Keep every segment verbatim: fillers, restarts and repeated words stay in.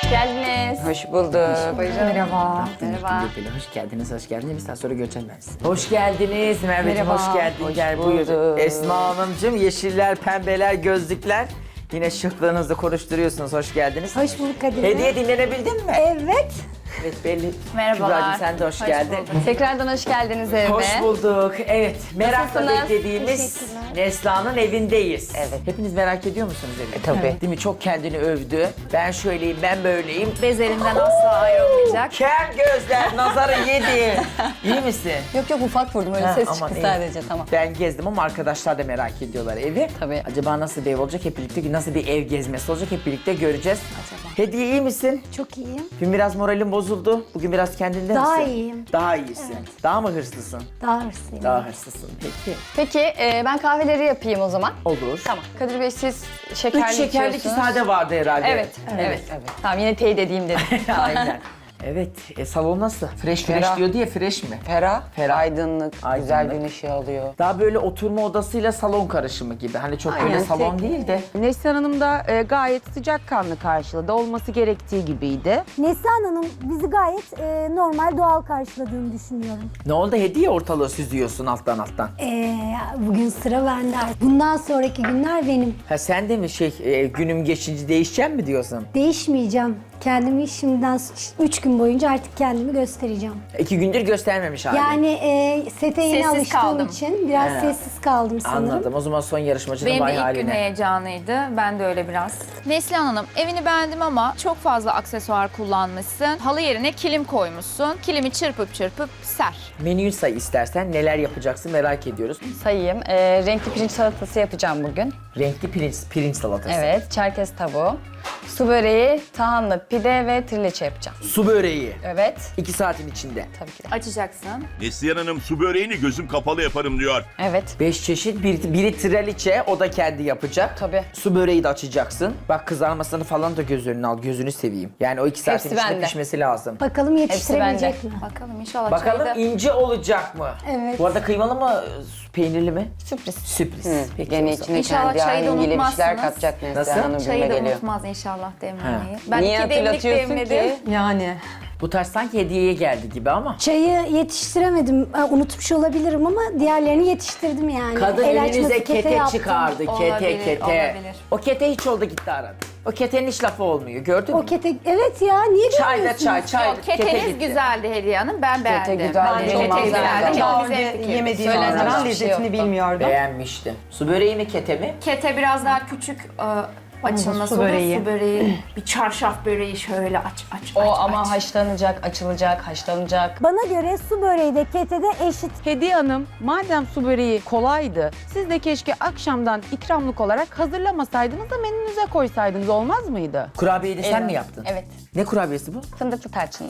geldiniz. Hoş bulduk. Merhaba. Merhaba. Hoş geldiniz, hoş geldiniz. Bir saat sonra göreceğim ben sizi. Hoş geldiniz Merveciğim, Merhaba. hoş geldin. Hoş Gel bulduk. buyur. Esma Hanımcığım, yeşiller, pembeler, gözlükler. Yine şıklığınızı konuşturuyorsunuz, hoş geldiniz. Hoş bulduk Kadir. Hediye dinlenebildin mi? Evet. Evet belli. Merhabalar. Kübra'cığım sen de hoş, geldin. Tekrardan hoş geldiniz evime. Hoş bulduk. Evet, merakla Nasılsınız? beklediğimiz Teşekkürler. Neslihan'ın evindeyiz. Evet. Hepiniz merak ediyor musunuz evi? E, tabii. Değil mi? Çok kendini övdü. Ben şöyleyim, ben böyleyim. Bezlerinden asla ayrılmayacak. Ker gözler, nazarı yedi. İyi misin? Yok yok ufak vurdum öyle Ha, ses aman çıktı iyi. sadece tamam. Ben gezdim ama arkadaşlar da merak ediyorlar evi. Tabii. Acaba nasıl bir ev olacak hep birlikte, nasıl bir ev gezmesi olacak hep birlikte göreceğiz. Acaba? Hediye iyi misin? Çok iyiyim. Dün biraz moralim bozuldu. Bugün biraz kendinde Daha misin? iyiyim. Daha iyisin. Daha mı hırslısın? Daha hırslıyım. Daha hırslısın. Peki. Peki e, ben kahveleri yapayım o zaman. Olur. Tamam. Kadir Bey siz şekerli Üç şekerli iki içiyorsunuz. sade vardı herhalde. Evet, evet, evet. Tamam yine teyit edeyim dedim. Aynen. Evet. E, salon nasıl? Fresh fresh Ferah. diyor diye fresh mi? Ferah, Ferah. aydınlık, Aydınlık. güzel gün ışığı alıyor. Daha böyle oturma odasıyla salon karışımı gibi. Hani çok böyle Aynen, salon tek- değil de. Neslihan Hanım da e, gayet sıcakkanlı karşıladı. Olması gerektiği gibiydi. Neslihan Hanım bizi gayet e, normal, doğal karşıladığını düşünüyorum. Ne oldu? Hediye ortalığı süzüyorsun alttan alttan. Ee, bugün sıra bende. Bundan sonraki günler benim. Ha sen de mi şey e, günüm geçince değişeceğim mi diyorsun? Değişmeyeceğim. Kendimi şimdiden üç gün boyunca artık kendimi göstereceğim. İki gündür göstermemiş hali. Yani e, sete yeni Sessiz alıştığım kaldım. için biraz He. sessiz kaldım sanırım. Anladım. O zaman son yarışmacının Benim de vay ilk gün haline. heyecanıydı. Ben de öyle biraz. Neslihan Hanım, evini beğendim ama çok fazla aksesuar kullanmışsın. Halı yerine kilim koymuşsun. Kilimi çırpıp çırpıp ser. Menüyü say istersen. Neler yapacaksın merak ediyoruz. Sayayım. E, renkli pirinç salatası yapacağım bugün. Renkli pirinç, pirinç salatası. Evet. Çerkez tavuğu. Su böreği, tahanlı pide ve trileçe yapacağım. Su böreği. Evet. İki saatin içinde. Tabii ki de. Açacaksın. Neslihan Hanım su böreğini gözüm kapalı yaparım diyor. Evet. Beş çeşit. Bir, biri traliçe. O da kendi yapacak. Tabii. Su böreği de açacaksın. Bak kızarmasını falan da göz önüne al. Gözünü seveyim. Yani o iki saatin Hepsi içinde bende. pişmesi lazım. Bakalım yetiştirebilecek Hepsi mi? Bakalım inşallah Bakalım çayda- ince olacak mı? Evet. Bu arada kıymalı mı, peynirli mi? Sürpriz. Sürpriz. Peki Gene o zaman. içine İnşallah kendi çayı da halini bir şeyler unutmazsınız. katacak Nasıl? Neslihan Hanım Çayı gibime da geliyor. unutmaz inşallah demlemeyi. Ben Niye iki demlik hatırlatıyorsun demledim. ki? Yani. Bu tarz sanki hediyeye geldi gibi ama. Çayı yetiştiremedim. Ha, unutmuş olabilirim ama diğerlerini yetiştirdim yani. Kadın El açması önünüze kete kete yaptım. çıkardı. Kete Olabilir, kete. olabilir. O kete hiç oldu gitti aradı. O ketenin hiç lafı olmuyor. Gördün mü? O kete, evet ya niye Çay da görmüyorsunuz? çay, çay Yok, kete keteniz gitti. güzeldi Hediye Hanım. Ben beğendim. güzel Ben değil, Kete çok güzel. güzeldi. Daha Hepimiz önce hemfikiriz. yemediğim Söylenecek zaman bir şey lezzetini yoktu. bilmiyordum. Beğenmiştim. Su böreği mi kete mi? Kete biraz daha küçük e, açılması su olur. böreği. Su böreği, bir çarşaf böreği şöyle aç aç O aç. ama aç. haşlanacak, açılacak, haşlanacak. Bana göre su böreği de kete de eşit. Hediye Hanım, madem su böreği kolaydı, siz de keşke akşamdan ikramlık olarak hazırlamasaydınız da menünüze koysaydınız, olmaz mıydı? Kurabiyeyi de sen Evet. mi yaptın? Evet. Ne kurabiyesi bu? Fındıklı tarçınlı.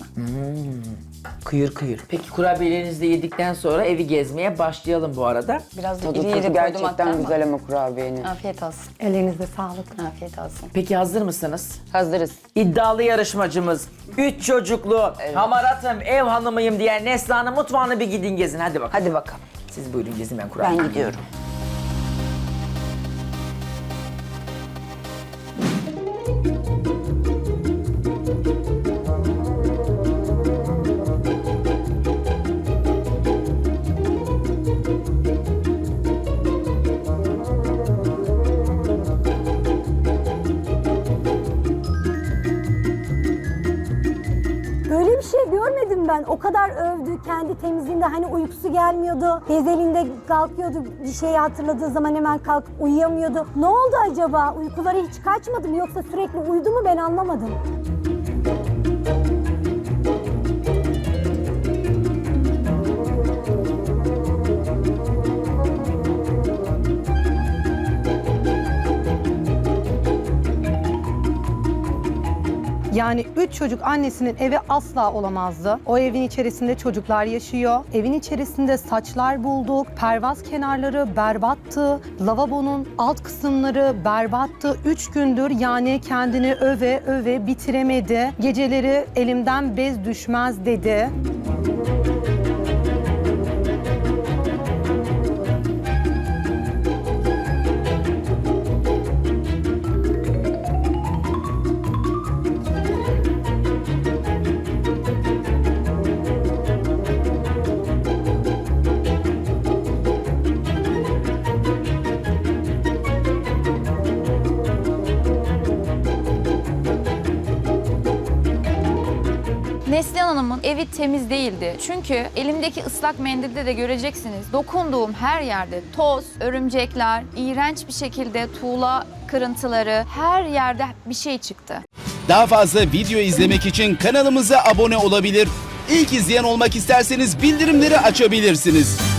Kıyır kıyır. Peki kurabiyelerinizi de yedikten sonra evi gezmeye başlayalım bu arada. Biraz da Tadı iri tuzu iri koydum hatta gerçekten ama. güzel ama kurabiyenin. Afiyet olsun. Ellerinize sağlık. Afiyet olsun. Peki hazır mısınız? Hazırız. İddialı yarışmacımız, üç çocuklu, hamaratım, ev hanımıyım diyen Neslihan'ın mutfağını bir gidin gezin. Hadi bakalım. Hadi bakalım. Siz buyurun gezin, ben kurabiye. Ben gidiyorum. Böyle bir şey görmedim ben. O kadar övdü kendi temizliğinde, hani uykusu gelmiyordu. Gezelinde kalkıyordu, bir şeyi hatırladığı zaman hemen kalkıp uyuyamıyordu. Ne oldu acaba? Uykuları hiç kaçmadı mı yoksa sürekli uyudu mu, ben anlamadım. Yani üç çocuk annesinin evi asla olamazdı. O evin içerisinde çocuklar yaşıyor. Evin içerisinde saçlar bulduk. Pervaz kenarları berbattı. Lavabonun alt kısımları berbattı. Üç gündür yani kendini öve öve bitiremedi. Geceleri elimden bez düşmez dedi. Neslihan Hanım'ın evi temiz değildi. Çünkü elimdeki ıslak mendilde de göreceksiniz. Dokunduğum her yerde toz, örümcekler, iğrenç bir şekilde tuğla kırıntıları, her yerde bir şey çıktı. Daha fazla video izlemek için kanalımıza abone olabilir. İlk izleyen olmak isterseniz bildirimleri açabilirsiniz.